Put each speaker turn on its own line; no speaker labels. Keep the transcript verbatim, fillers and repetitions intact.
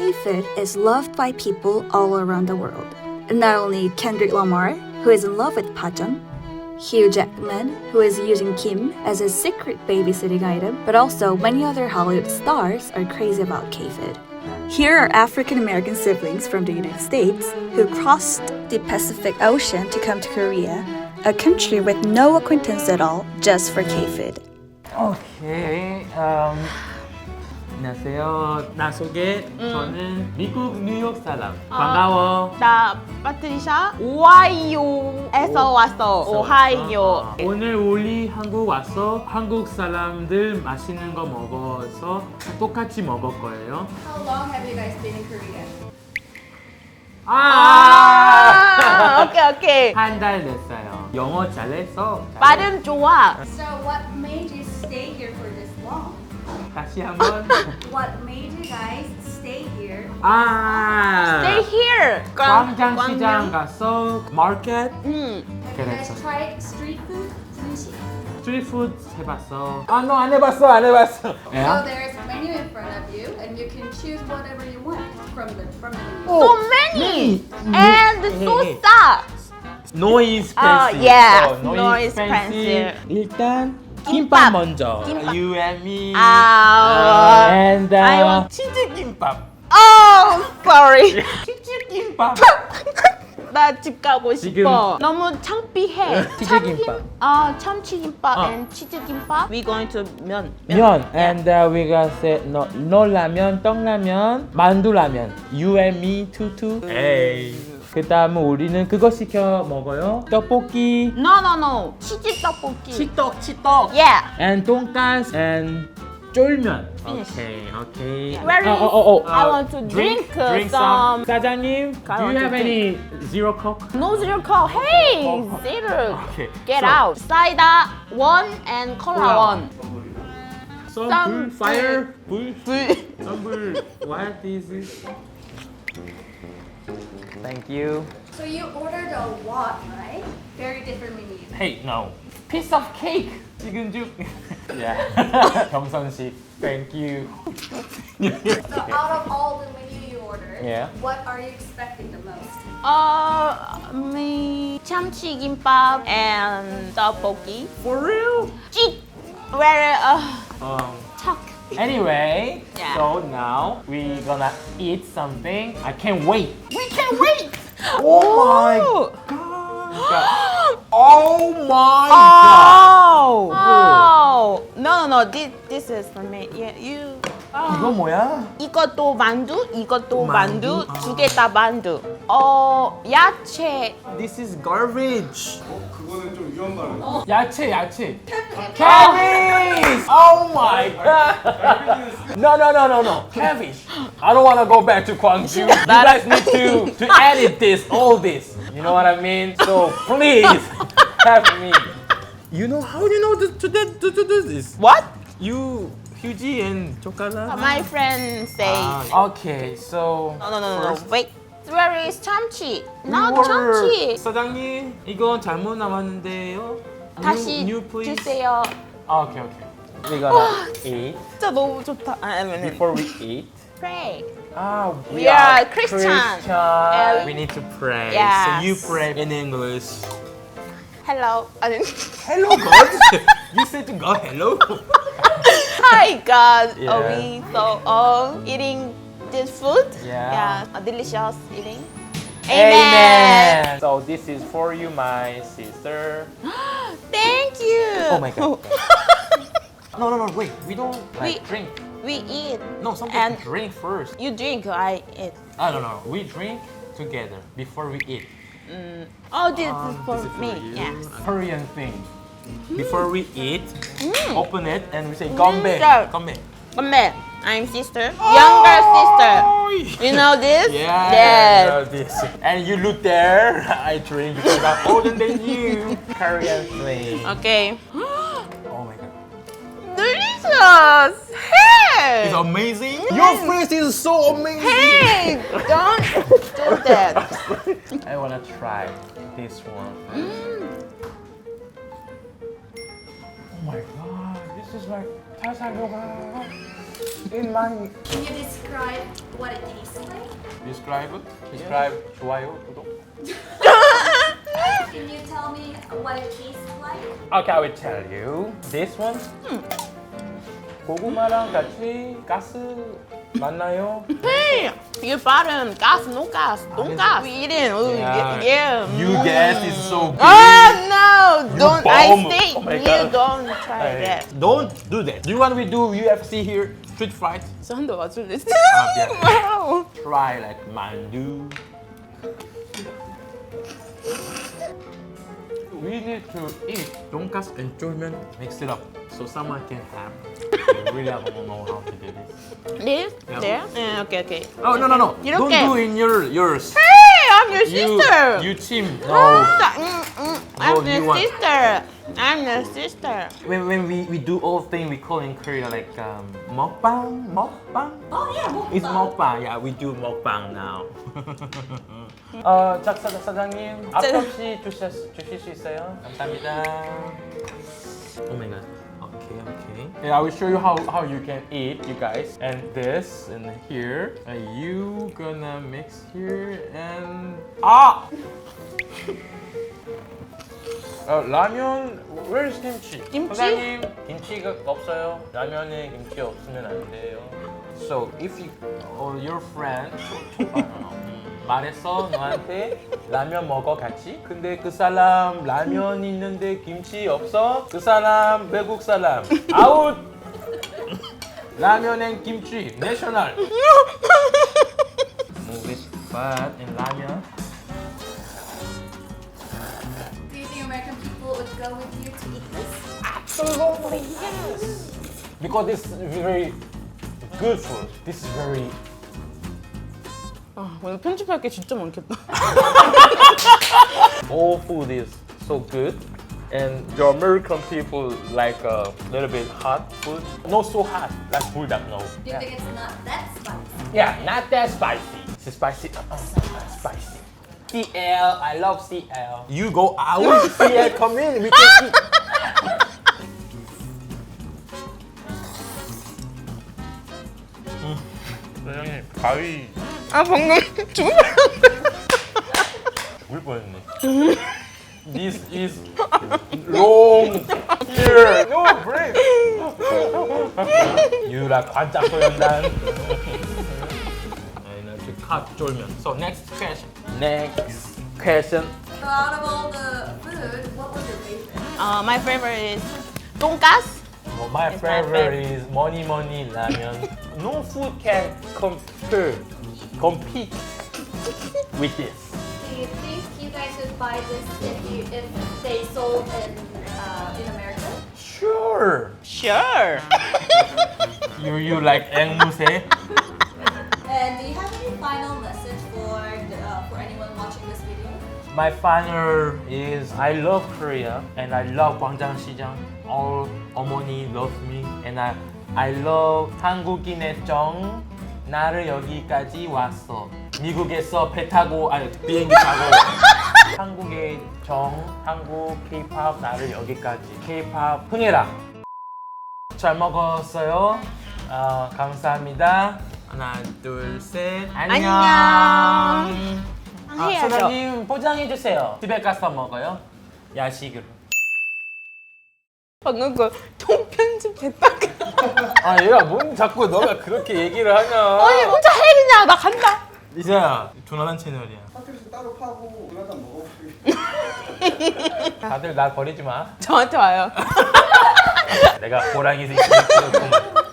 K-food is loved by people all around the world. And not only Kendrick Lamar, who is in love with pajeon, Hugh Jackman, who is using Kim as a secret babysitting item, but also many other Hollywood stars are crazy about K-food. Here are African American siblings from the United States who crossed the Pacific Ocean to come to Korea, a country with no acquaintance at all, just for K-food.
오케이. Um, 안녕하세요. 나 소개. 저는 미국 뉴욕 사람. 반가워.
나 파트리샤 오하이오에서 왔어. 오하이오.
아, 오늘 우리 한국 와서 한국 사람들 맛있는 거 먹어서 똑같이 먹을 거예요.
How long have you guys been in Korea?
아!
아, 오케이 오케이.
한 달 됐어요. 영어 잘해서.
발음 좋아.
So what made you stay here for this long?
다시 한번.
What made you guys stay here?
아!
Stay here.
광장시장 가서 마켓.
응.
Have you guys tried street food? Sushi.
스트리트푸드 해봤어. 아, 너 안 해봤어, 안 해봤어.
So there's a menu in front of you, and you can choose whatever you want from the from the menu.
So many and so 싸.
No expensive.
Oh, yeah.
So,
No expensive.
일단
김밥.
김밥 먼저.
김밥.
You and me.
아.
And uh,
I want-
치즈 김밥.
Oh, sorry.
치즈 김밥.
나 집 가고
지금-
싶어. 너무 창피해.
치즈김밥.
아, 참치김밥
어.
and 치즈김밥. We going to 면.
면. And uh, we got say no, no 라면, 떡라면, 만두라면. You and me two two. 에이. 그다음에 우리는 그거 시켜 먹어요. 떡볶이.
No, no, no. 치즈 떡볶이.
치떡, 치떡.
Yeah.
And 돈가스 and 쫄면.
Finish.
Okay, okay.
Where is-
Oh, oh, oh,
I
uh,
want to drink, uh,
drink
some-
사장님,
I
do
want
you
to
have any zero coke?
No zero coke. Hey,
Oh.
zero.
Okay.
Get
so,
out. Cider one and cola
Cola.
one.
Some
Some
불, fire, 불,
불.
some 불. What is it? Thank you.
So you ordered a lot, right? Very different menu.
Hey, no. Piece of cake. 지금 쭉. Yeah. 경선식. Thank you.
So out of all the menu you ordered,
Yeah.
what are you expecting the most?
Uh, me 참치김밥 and 떡볶이.
For real?
찌. Where uh,
Um.
척.
Anyway,
Yeah.
so now we gonna eat something. I can't wait.
We can wait.
Oh my
Oh.
god. Oh my
Oh. Oh. No, no, no. This, this is for me. Yeah, you.
god. 이거 뭐야?
이것도 만두, 이것도
만두?
만두, 두 개 다 만두. 어, 야채.
This is garbage.
그거는 좀 위험 발언.
야채, 야채. Cabbage! Oh my god. No, no, no, no, no. Cabbage. I don't want to go back to Gwangju. You guys need to to edit this, all this. You know what I mean? So please help me. You know how you know to to to, to do this?
What?
You, Hyuji and Chokara.
My friend say.
Ah, okay, so
No, no, no, no.
first,
Wait. Where is 참치? Not
we were-
참치.
사장님, 이건 잘못 나왔는데요.
다시
new, new please.
주세요.
Ah, okay, okay. We gonna eat
진짜 너무 좋다. 아, 아니, 아니.
before we eat.
Pray.
Ah,
We are Christian.
Christian.
Yeah.
We need to pray.
Yes.
So you pray in English.
Hello. 아니.
Hello, God. You said to God, hello.
Hi God.
Yeah.
Are we so all eating this food?
Yeah.
Yeah. A delicious eating.
Amen. So this is for you, my sister.
Thank you.
Oh my God. No, no, no. Wait. We don't like
We-
drink.
We eat.
No, something
And-
to drink first.
You drink, I eat.
I don't know. We drink together before we eat.
Oh, this
Um,
is for
this is
me.
you.
Yes.
Korean thing. Before we eat, open it and we say
Mm,
"Gombe,
sir.
gombe."
But I'm sister. Younger sister. You know this?
Yeah, I
Yes.
know this. And you look there. I drink because I'm older than you. Korean thing.
Okay.
Oh my god.
Delicious. Hey.
It's amazing. Your face is so amazing.
Hey, don't do that.
I wanna try this one.
Mm.
Oh my god, this is like 잘 살려가. In my
Can you describe what it tastes like?
describe describe 좋아요 구독.
Can you tell me what it tastes like?
Okay, I will tell you. This one. 고구마랑 같이 가스 맞나요?
Hey, you bottom gas, no gas, don't gas. We eating. Oh, yeah. yeah.
You guess is so big.
Oh no! Don't.
bomb.
I say
Oh my
you
God.
don't try
Hey,
that.
don't do that. Do you want we do U F C here? Street fight?
So 한대 맞출래?
아, 미안.
Wow.
Try like mandu. We need to eat donkasu and 쫄면. Mix it up so someone can have. I really don't know how to do this.
This?
Yeah.
There? Yeah, okay, okay.
Oh no no no!
You
don't
don't
do in your yours.
Hey, I'm your
You
sister.
you team. No.
Mm, mm, I'm
No,
the
you want-
sister. I'm the sister.
When, when we, we do all things we call in Korea like um, mukbang, mukbang.
Oh yeah, mukbang.
It's mukbang. Yeah, we do mukbang now. 어, 작사 작사장님 앞접시 주실 주실 수 있어요? 감사합니다. Oh my god. Okay, okay. Yeah, I will show you how how you can eat, you guys. And this and here, and you gonna mix here and ah. 어, 라면, where's 김치?
김치?
사장님, 김치가 없어요. 라면에 김치 없으면 안 돼요. So if you or your friend 음, 말했어 너한테 라면 먹어 같이. 근데 그 사람 라면 있는데 김치 없어. 그 사람 외국 사람 아웃. 라면엔 김치 내셔널. Move it, but in 라면.
Do you think American people would go with you to eat this?
Absolutely yes. Because this is very good food. This is very.
아, 오늘 편집할 게 진짜 많겠다.
All food is so good, and your American people like a little bit hot food. Not so hot, like bulldog. No.
Do you think it's not that spicy?
Yeah, not that spicy. It's spicy. Uh, spicy. C L, I love C L. You go out. C L, come in. We can eat. 사장님 가위
아 방금 죽을
울 뻔했네. This is long here. No break. 유라 관짝 소연단. 아니는 갓 쫄면. So next question. Next question.
So out of all the food, what was your favorite?
Uh, my favorite is 돈가스.
Well, my
It's my
favorite is money money ramen. No food can compare, compete with this.
Do you think you guys would buy this if you if they sold in uh, in America?
Sure.
Sure.
You you like 앵무새?
And do you have any final message for the, uh, for anyone watching this video?
My final is I love Korea and I love 광장시장. All 어머니 love me and I I love 한국인의 정 나를 여기까지 왔어. 미국에서 배 타고 아니 비행기 타고 한국의 정 한국 K-pop 나를 여기까지 K-pop 흥해라. 잘 먹었어요. 어, 감사합니다. 하나 둘 셋 안녕.
안녕.
아,
해야죠.
사장님 포장해 주세요. 집에 가서 먹어요. 야식으로.
방금 그 통편집 됐다.
아 얘가 뭔 자꾸 너가 그렇게 얘기를 하냐.
아니 혼자 해 그냥 나 간다.
이제야 조나단 채널이야.
핫도그 따로 파고 그나단 먹어보기.
다들 나 버리지 마.
저한테 와요.
내가 호랑이 새끼 키웠구만.